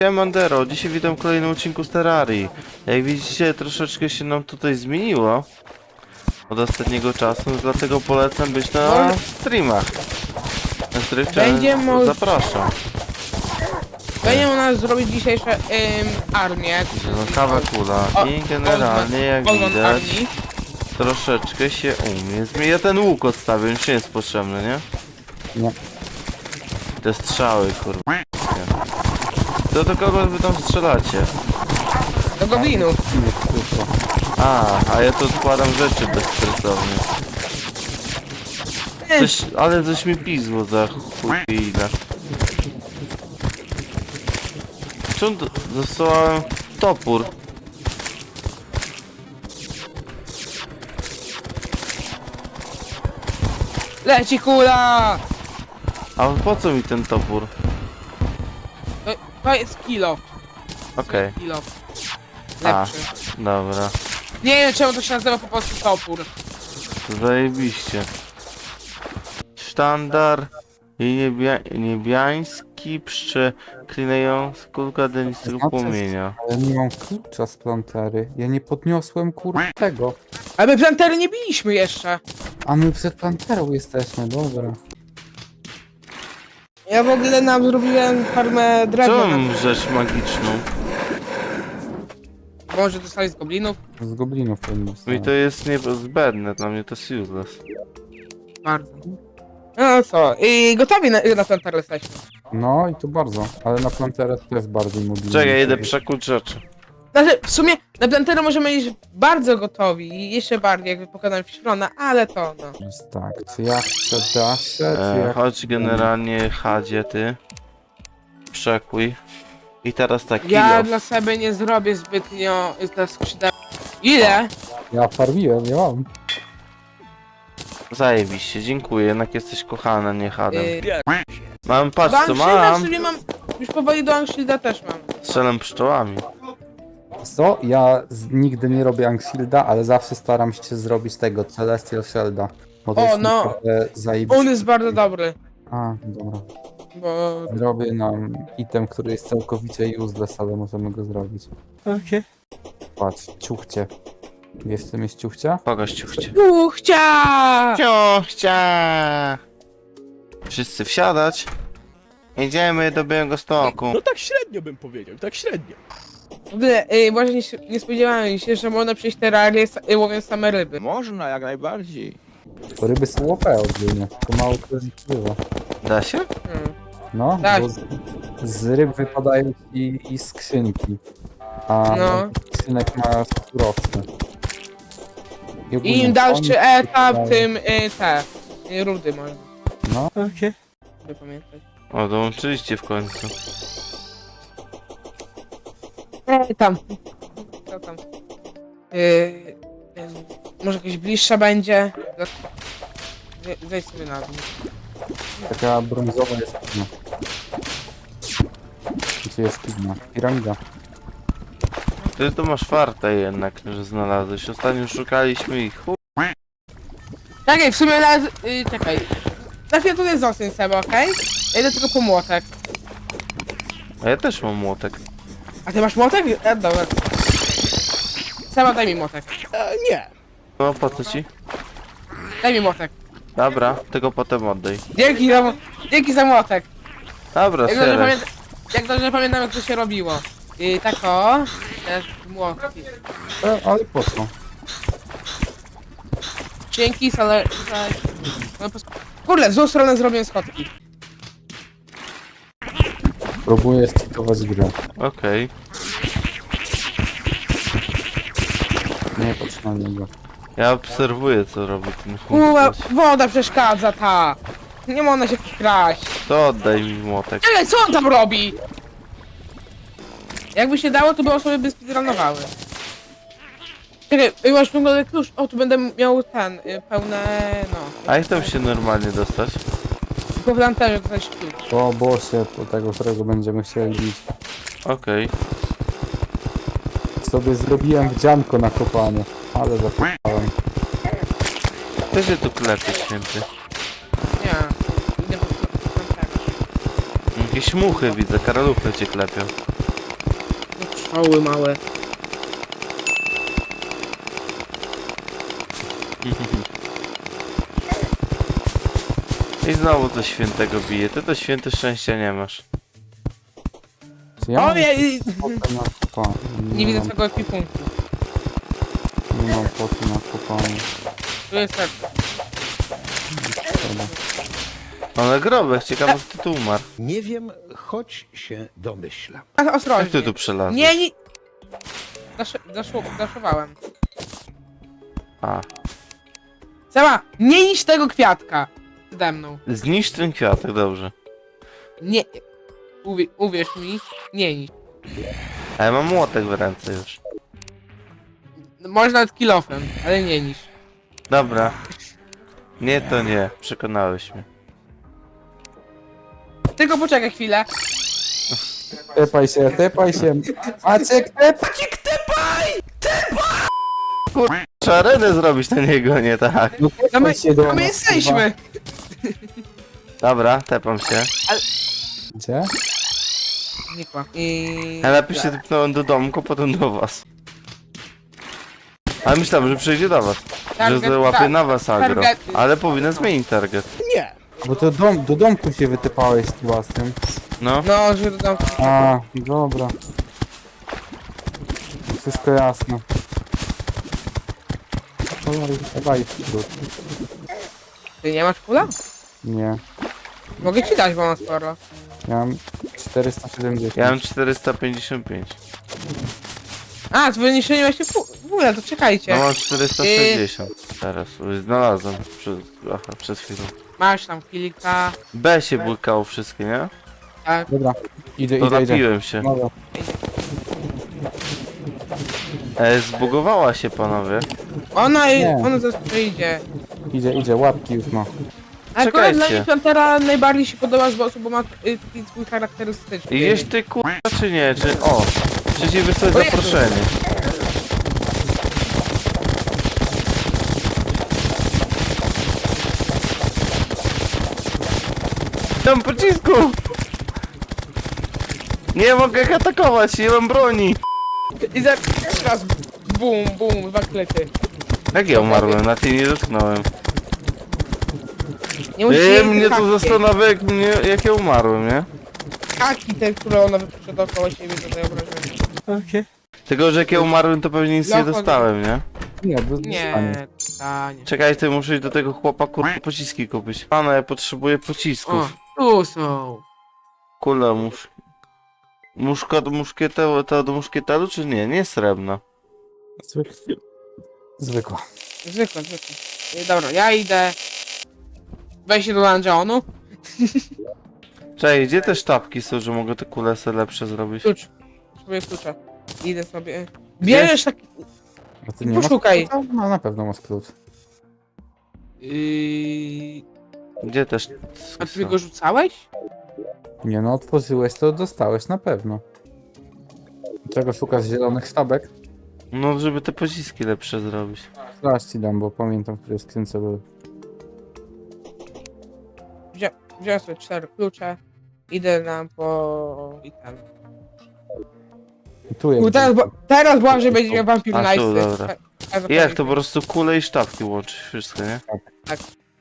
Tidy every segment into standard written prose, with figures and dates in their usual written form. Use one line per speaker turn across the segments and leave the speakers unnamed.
Mandero, dzisiaj witam w kolejnym odcinku z Terrarii. Jak widzicie, troszeczkę się nam tutaj zmieniło od ostatniego czasu, dlatego polecam być na streamach, na których zapraszam.
Będzie u nas zrobić dzisiejsze armię.
Zielonkawa kula i generalnie jak widać troszeczkę się umie. Ja ten łuk odstawię, już nie jest potrzebny, nie?
Nie.
Te strzały, kurwa. To do kogo wy tam strzelacie?
Do goblinów.
A ja tu odkładam rzeczy bezstresownie. Ale coś mi pizło za chuj ile. Czemu dostałem topór?
Leci kula!
A po co mi ten topór?
To jest kilo.
Okej.
Kilo.
A,
Lepszy.
dobra.
Nie wiem czemu to się nazywa po prostu topór.
Zajebiście. Sztandar i niebiański przeklinając kulka denistego płomienia.
Ale nie mam klucza z plantery. Ja nie podniosłem tego.
Ale my plantery nie biliśmy jeszcze.
A my przed planterą jesteśmy, dobra.
Ja w ogóle nam zrobiłem farmę
Co
drewna.
mam rzecz magiczną?
Może dostali z goblinów?
Z goblinów powinno
Mi to jest niezbędne, dla mnie to jest useless.
Bardzo. No co, i gotowi na planterę jesteśmy.
No i to bardzo, ale na planterę to jest bardziej mobilny.
Czekaj, idę przekuć rzeczy.
Znaczy, w sumie na planterę możemy iść bardzo gotowi i jeszcze bardziej, jakby pokonałem Fiszrona, ale to no.
Jest tak, czy ja chcę daszę, czy ja...
Chodź generalnie Hadzie ty. Przekuj. I teraz tak,
Ja
kilo.
dla siebie nie zrobię zbytnio dla skrzydeł. Ile?
Ja farmiłem, nie mam.
Zajebiście, dziękuję, jednak jesteś kochana, nie Hadem.
Yy,
Mam, patrz
do
co
Angshielda
mam.
sobie mam, już powoli do Angshielda też mam.
Strzelam pszczołami.
Co? Ja nigdy nie robię Angshielda, ale zawsze staram się zrobić tego Celestial Shielda. Bo to
O,
jest
no.
naprawdę zajebiste.
On jest bardzo dobry,
A, dobra.
bo...
Zrobię nam item, który jest całkowicie useless, ale możemy go zrobić.
Okej.
Patrz, ciuchcie. Wiesz czym jest ciuchcia?
Pokaż ciuchcie.
Uchcia!
Ciuchcia! Wszyscy wsiadać. Jedziemy do Białegostoku.
No tak średnio bym powiedział, tak średnio.
W ogóle, może nie spodziewałem się, że można przejść terrarię łowiąc same ryby.
Można, jak najbardziej.
To ryby są OP ogólnie, tylko mało kto z nich pływa.
Da się?
No,
Tak.
bo z ryb wypadają i skrzynki. A
No.
skrzynek ma surowce. I ogólnie
I im dalszy
oni
etap,
wypadają-
tym rudy można.
No,
Okej.
By pamiętać.
O, dołączyliście w końcu.
Tam. Co tam? Może jakaś bliższa będzie? Zejdź sobie na dół.
taka brązowa jest pigna. Gdzie jest pigna? Piramida.
Ty to masz fartę jednak, że znalazłeś. Ostatnio szukaliśmy ich.
Czekaj, w sumie nawet... czekaj. Na chwilę tutaj zostań sobie, okej? Ja idę tylko po młotek.
A ja też mam młotek.
A ty masz młotek? Dobra. Sama daj mi młotek.
Nie.
No po co ci?
Daj mi młotek.
Dobra, tego potem oddaj.
Dzięki za młotek.
Dobra,
Jak dobrze,
serek.
jak dobrze pamiętam, jak to się robiło. Tak o. Teraz młotki.
Ale po co?
Dzięki, ale... Kurde, w złą stronę zrobiłem schodki.
Próbuję stykować grę.
Okej.
Nie patrz na niego.
Ja obserwuję co robi ten
Kurwa,
chłopak.
woda przeszkadza ta. Nie można się kraść.
To oddaj mi młotek.
Czekaj, co on tam robi? Jakby się dało, to by osoby by speedrunowały. Czekaj, masz pełny klucz. O, tu będę miał ten, pełne, no.
A jak tam się normalnie dostać?
Tylko w lanterze ktoś klucz.
Po bossie, po tego, którego będziemy chcieli bić.
Okej.
Sobie zrobiłem wdzianko na kopanie, ale zapomniałem.
Ty się tu klepie święty.
Nie. Idę po lanterze.
Jakieś muchy widzę, karaluchy cię klepią.
Oły małe.
I znowu coś świętego bije. Ty to święte szczęścia nie masz.
Czy ja
O
mam
nie!
potę na kopanie?
Nie widzę
mam-
tego ekwipunku.
Nie mam poty na kopanie.
Tu jest serce.
Szkoda.
Ale grobek, ciekawe kto tu umarł.
Nie wiem, choć się domyślam.
A,
Jak
ostrożnie.
ty tu przelazłeś?
Nie. Daszowałem.
A,
Seba, nie niż tego kwiatka. Przede mną.
zniszcz ten kwiatek, dobrze.
Nie. Uwierz mi, nie niż.
A ja mam młotek w ręce już.
Można nawet kilofem, ale nie niż.
Dobra. Nie, to nie. Przekonałeś mnie.
Tylko poczekaj chwilę.
Tepaj się, tepaj się. Maciek, tepaj!
Trzeba arenę zrobić na niego, nie tak.
No
No my,
tepaj się do
a my
nas,
jesteśmy.
Dobra, tepam się.
kurwa. Gdzie?
Znikła. I...
Ja lepiej się typnąłem do domku, potem do was. Ale myślałem, że przyjdzie do was. Że załapie na was agro.
targety.
Ale powinien zmienić target.
Nie.
Bo to do domku się wytypałeś z własnym.
No.
No, że dodam.
A, dobra. Wszystko jasne. Dawaj wśród.
Ty nie masz pula?
Nie.
Mogę ci dać, bo mam sporo.
Ja mam 470.
Ja mam 455.
A, z wyniesieniem właśnie pula, to czekajcie.
No mam 460. Teraz. Znalazłem. Przed chwilą.
Masz tam kilka.
B się błykało wszystkie, nie?
Tak.
Dobra. Idzie,
To
idzie, idzie.
napiłem się.
Dobra.
Zbugowała się, panowie.
Ona
Nie.
zaraz przyjdzie.
Idzie, łapki już ma.
Ale akurat dla
Czekajcie.
mnie Pantera najbardziej się podoba z bossów, bo ma taki swój charakterystyczny.
Idziesz ty kurwa czy nie? Czy... O! Czy ci wysłać
O Jezu.
zaproszenie? Tam pocisku! Nie mogę ich atakować, nie mam broni!
I zaraz bum, bum, dwa klety.
Jak ja umarłem? Na tej nie dotknąłem.
Nie musisz jej
Mnie to
haki.
zastanawia jak ja umarłem, nie?
Haki te, które ona wypuszcza dookoła siebie, to obrażenia.
Tylko, że jak ja umarłem to pewnie nic nie
Locho-
dostałem, nie?
Nie, dostanie.
Nie, stanie.
Czekaj, ty muszę iść do tego chłopa kurwa pociski kupić. Pana, ja potrzebuję pocisków.
O, tu są.
Kula muszka do muszkieteru, to do muszkieteru czy nie? Nie srebrna.
Zwykła.
Zwykle. Dobra, ja idę. Weź się do dungeonu.
Czekaj, gdzie te sztabki są, że mogę te kulesy lepsze zrobić?
Klucz. Potrzebuję klucza. Idę sobie. Bierzesz taki...
A ty nie
Poszukaj.
masz klucza? No na pewno masz klucz.
Gdzie te
A ty go rzucałeś?
Nie no, otworzyłeś to dostałeś na pewno. Czego szukasz zielonych sztabek?
No, żeby te pociski lepsze zrobić.
Zaraz ci dam, bo pamiętam, w której skrzynce były.
Wziąłem sobie 4 klucze. Idę nam po... I ten.
I tu jest.
Teraz Błażej będzie miał Vampire
A, tu,
Nice.
dobra. Jak to po prostu kule i sztabki łączyć wszystko, nie?
Tak.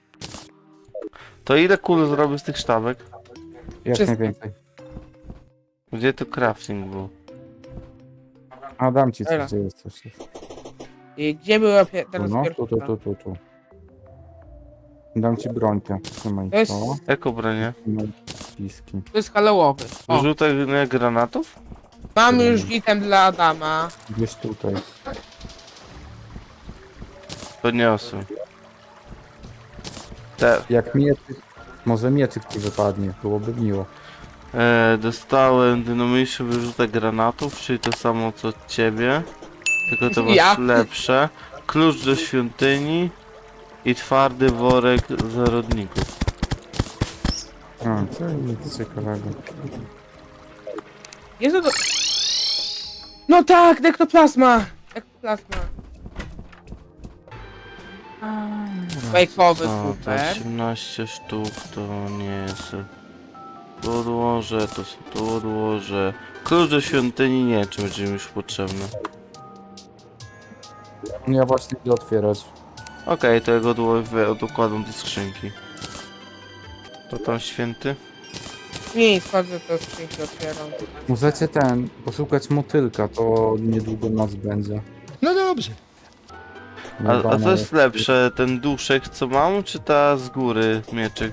To ile kul zrobię z tych sztabek?
Jak
Wszystko.
najwięcej.
Gdzie tu crafting był?
A dam ci
Dobra.
coś, gdzie jest coś.
I gdzie była
Tu,
teraz
no,
pierwsza?
tu. Dam ci brońkę. Trzymaj
To jest-
to.
Jako bronię?
Trzymaj piski.
To jest hallowowy. O,
Wyrzutek granatów?
mam już item dla Adama.
Gdzieś tutaj.
Podniosłem. Te,
Jak mieczyk, może mieczyk ci wypadnie, byłoby miło.
dostałem dynamiczny wyrzutek granatów, czyli to samo co od ciebie. Tylko to masz
Ja.
lepsze. Klucz do świątyni i twardy worek zarodników.
A, co nic ciekawego.
Jezu, to... No tak, nektoplazma! Nektoplazma. Bajkowy,
O, to
super.
18 sztuk to nie jest. Tu odłożę, to się tu odłożę. Klucz do świątyni nie, czy będzie mi już potrzebny.
Ja właśnie idę otwierać.
Okej, to ja go odkładam do skrzynki. To tam święty?
Nie, sprawdzę to skrzynki otwieram.
Możecie poszukać motylka, to niedługo noc będzie.
No dobrze.
A co jest lepsze, ten duszek co mam, czy ta z góry mieczyk?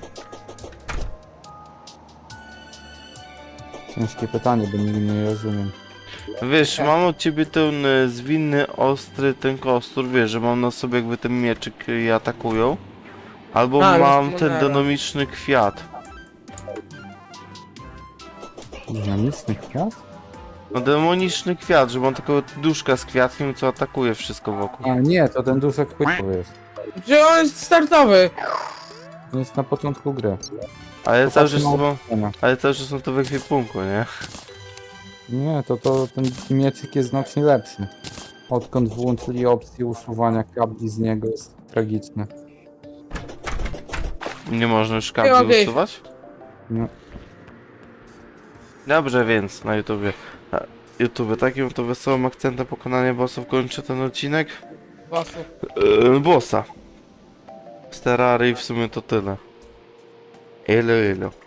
Ciężkie pytanie, bo nigdy nie rozumiem.
Wiesz, mam od ciebie ten zwinny, ostry, ten kostur, wiesz, że mam na sobie jakby ten mieczyk i atakują. Albo
A,
mam
już
ten
modele.
dynamiczny kwiat.
Dynamiczny kwiat?
No demoniczny kwiat, że mam takiego duszka z kwiatkiem, co atakuje wszystko wokół.
A nie, to ten duszek płytowy jest.
Gdzie on jest startowy?
To jest na początku gry.
Ale cały czas
Popatrzmy na
są,
opisania.
ale cały czas są to w ekwipunku, nie?
Nie, to ten mieczyk jest znacznie lepszy. Odkąd włączyli opcję usuwania kabli z niego, jest tragiczny.
Nie można już
mogę
kabli
iść.
usuwać?
Nie.
Dobrze, więc na YouTubie. Takim to wesołym akcentem pokonania bossów kończę ten odcinek.
Bosu.
Bossa. Z Terrarii w sumie to tyle. Elo.